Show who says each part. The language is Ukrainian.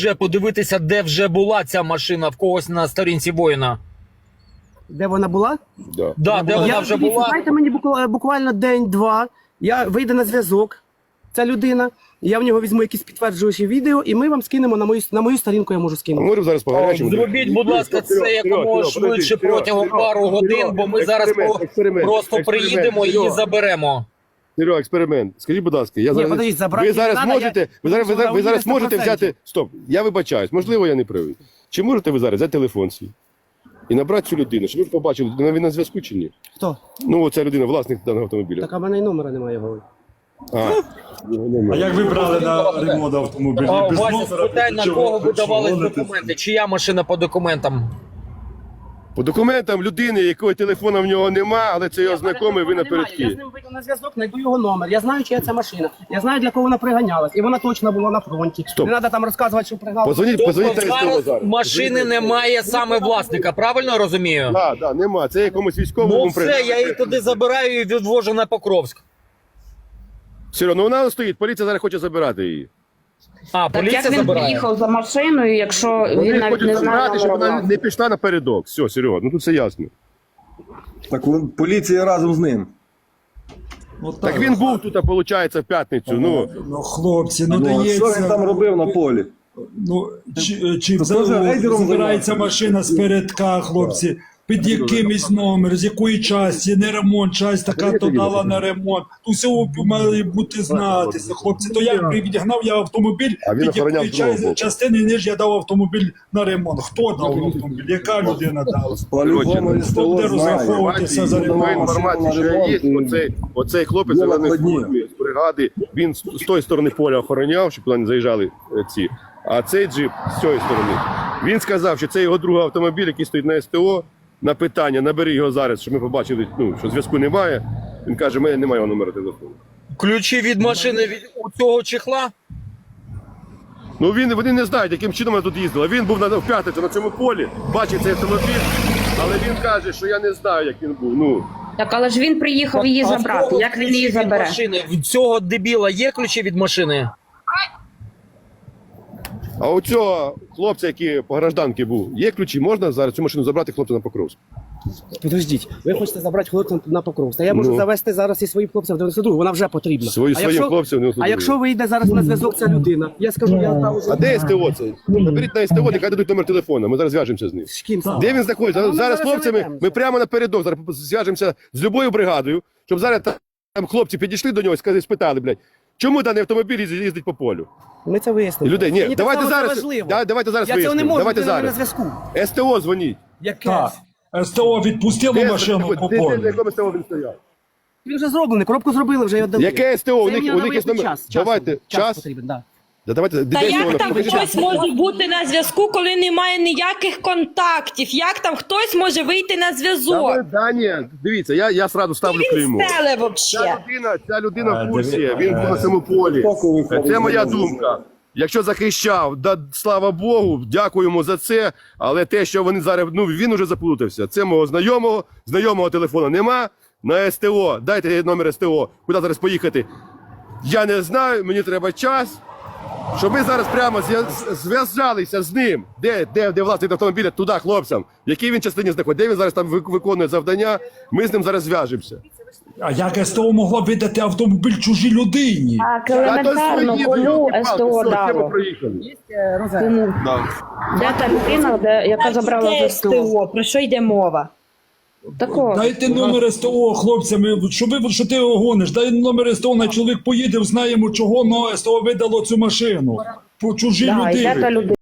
Speaker 1: Вже подивитися, де вже була ця машина в когось на сторінці воїна.
Speaker 2: Де вона була?
Speaker 1: Да, де вона вже була.
Speaker 2: Дайте мені буквально день-два, я вийду на зв'язок, ця людина, я в нього візьму якісь підтверджуючі відео, і ми вам скинемо на мою сторінку, я можу скинути.
Speaker 3: Можемо зараз по гарячому.
Speaker 1: Зробіть, будь ласка, це якомога швидше протягом пару годин, бо ми зараз просто приїдемо і її заберемо.
Speaker 3: Серега, експеримент. Скажіть, будь ласка, ви зараз можете взяти... Стоп, я вибачаюсь, можливо, я не правий. Чи можете ви зараз взяти телефон свій і набрати цю людину, щоб ви побачили, він на зв'язку чи ні?
Speaker 2: Хто?
Speaker 3: Ну, оця людина, власник даного автомобіля.
Speaker 2: Так, а в мене й номера немає його.
Speaker 4: А як ви брали на ремонт автомобілі? Без
Speaker 1: Вася,
Speaker 4: номера?
Speaker 1: спитай, на
Speaker 4: Чого-
Speaker 1: кого
Speaker 4: чого
Speaker 1: видавались
Speaker 4: гоните?
Speaker 1: документи? Чия машина по документам?
Speaker 3: По документам людини, якого телефона в нього нема, але це його знайомий, ви
Speaker 2: Я
Speaker 3: напередки.
Speaker 2: з ним вийду на зв'язок, знайду його номер. Я знаю, чия це машина. Я знаю, для кого вона приганялась. І вона точно була на фронті.
Speaker 3: Стоп.
Speaker 2: Не треба там розказувати, що приганялась.
Speaker 3: Позвоніть
Speaker 1: Тобто
Speaker 3: на СТО
Speaker 1: зараз
Speaker 3: зараз.
Speaker 1: машини немає саме власника, правильно розумію?
Speaker 3: Так, нема. Це якомусь
Speaker 1: Ну
Speaker 3: військовому
Speaker 1: все, я її туди забираю і відвожу на Покровськ.
Speaker 3: Все, ну вона стоїть, поліція зараз хоче забирати її.
Speaker 1: А,
Speaker 5: Так
Speaker 1: поліція
Speaker 5: як він
Speaker 1: забирає.
Speaker 5: приїхав за машиною, якщо він
Speaker 3: Вони
Speaker 5: навіть
Speaker 3: хочуть
Speaker 5: не знає
Speaker 3: забрати, щоб
Speaker 5: номера
Speaker 3: вона
Speaker 5: власника?
Speaker 3: не пішла напередок. Все, Серега, ну тут все ясно.
Speaker 6: Так поліція разом з ним.
Speaker 3: Так він був тут, виходить, в п'ятницю. Ну,
Speaker 4: Ну, хлопці, ну
Speaker 6: Ну, а що він там
Speaker 4: дається.
Speaker 6: робив на полі?
Speaker 4: Ну, чи
Speaker 6: То теж рейдером
Speaker 4: забирається
Speaker 6: займався?
Speaker 4: машина з передка, хлопці, під якимось номер, з якої часті, не ремонт, часть така то дала на ремонт. Тут все має бути знатися, хлопці. То я відігнав я автомобіль,
Speaker 3: А він
Speaker 4: під
Speaker 3: охороняв
Speaker 4: якої
Speaker 3: другого боку.
Speaker 4: частини ніж я дав автомобіль на ремонт. Хто дав автомобіль? Яка людина дала?
Speaker 6: По-любому СТО
Speaker 4: Де
Speaker 6: знає.
Speaker 4: розраховуватися за
Speaker 3: інформація,
Speaker 4: ремонт?
Speaker 3: інформація, що є, оцей хлопець
Speaker 6: Є
Speaker 3: зелений
Speaker 6: накладні.
Speaker 3: формі з бригади, він з тої сторони поля охороняв, щоб туди не заїжджали ці. А цей джип з цієї сторони. Він сказав, що це його другий автомобіль, який стоїть на СТО. На питання, набери його зараз, щоб ми побачили, що зв'язку немає. Він каже, в мене немає його номера телефону.
Speaker 1: Ключі від машини у цього чехла?
Speaker 3: Ну вони не знають, яким чином вона тут їздила. Він був в п'ятницю на цьому полі, бачив цей автомобіль, але він каже, що я не знаю, як він був. Ну,
Speaker 5: Так, але ж він приїхав її
Speaker 1: А в
Speaker 5: забрати.
Speaker 1: кого
Speaker 5: Як він
Speaker 1: ключі
Speaker 5: її
Speaker 1: від
Speaker 5: забере?
Speaker 1: машини? В цього дебіла є ключі від машини?
Speaker 3: а у цього хлопця, який по гражданці був, є ключі, можна зараз цю машину забрати хлопця на Покровськ?
Speaker 2: Подождіть, ви хочете забрати хлопця на Покровськ. Та я можу
Speaker 3: Ну.
Speaker 2: завести зараз і своїх хлопців в 92-гу, вона вже потрібна.
Speaker 3: Своїм хлопцям в 92-гу.
Speaker 2: А якщо вийде зараз на зв'язок ця людина, я скажу, я там уже...
Speaker 3: А де СТО це? Наберіть на СТО, нехай дадуть номер телефону, ми зараз зв'яжемося з ним.
Speaker 2: З ким саме?
Speaker 3: Де він знаходиться?
Speaker 2: Ну, ми
Speaker 3: Зараз
Speaker 2: зараз
Speaker 3: хлопцями,
Speaker 2: заведемося.
Speaker 3: ми прямо напередок, зараз зв'яжемося з любою бригадою, щоб зараз там хлопці підійшли до нього і спитали, блядь, чому даний автомобіль їздить по полю?
Speaker 2: Ми це вияснимо.
Speaker 3: Люди, ні,
Speaker 2: Мені
Speaker 3: давайте
Speaker 2: так само це
Speaker 3: зараз,
Speaker 2: важливо.
Speaker 3: давайте зараз
Speaker 2: Я цього не
Speaker 3: вияснимо.
Speaker 2: можу,
Speaker 3: Давайте
Speaker 2: людина не на
Speaker 3: зараз.
Speaker 2: зв'язку.
Speaker 3: СТО дзвоніть.
Speaker 2: Яке?
Speaker 4: Так. СТО відпустило машину по
Speaker 3: На
Speaker 4: полю.
Speaker 3: якому СТО він стояв?
Speaker 2: Він вже зроблений, коробку зробили, вже його дали.
Speaker 3: Яке СТО? У
Speaker 2: Це
Speaker 3: них
Speaker 2: мені
Speaker 3: є
Speaker 2: треба
Speaker 3: номер.
Speaker 2: час.
Speaker 3: Давайте, час.
Speaker 2: потрібен, да.
Speaker 3: Давайте,
Speaker 7: Та
Speaker 3: де
Speaker 7: як
Speaker 3: СТО?
Speaker 7: там
Speaker 3: Покажіть.
Speaker 7: хтось може бути на зв'язку, коли немає ніяких контактів? Як там хтось може вийти на зв'язок?
Speaker 3: Да, ні, дивіться, я сразу ставлю клеймо.
Speaker 7: Він стеле взагалі.
Speaker 3: Ця людина в курсі, він був на цьому полі. Це моя думка. Якщо захищав, да, слава Богу, дякуємо за це, але те, що вони зараз, він уже заплутався. Це мого знайомого телефону нема, на СТО, дайте номер СТО, куди зараз поїхати. Я не знаю, мені треба час, щоб ми зараз прямо зв'язалися з ним, де власник автомобіля, туди хлопцям, в якій він частині знаходиться, де він зараз там виконує завдання, ми з ним зараз зв'яжемося.
Speaker 4: А як СТО могло видати автомобіль чужій людині?
Speaker 5: Так,
Speaker 3: Та то
Speaker 5: елементарно,
Speaker 3: свої,
Speaker 5: кому
Speaker 3: йолки-палки,
Speaker 5: СТО
Speaker 3: все, тему
Speaker 5: дало?
Speaker 3: проїхали.
Speaker 2: Розет.
Speaker 5: Кому? Де та людина, яка забрала
Speaker 7: Де
Speaker 5: СТО?
Speaker 7: СТО? Про що йде мова?
Speaker 5: Такого.
Speaker 4: Дайте номер СТО хлопцям, що ти його гониш? Дай номер СТО, на чоловік поїде, знаємо, чого СТО видало цю машину. По чужій
Speaker 5: Да, і де
Speaker 4: людині.
Speaker 5: та людина?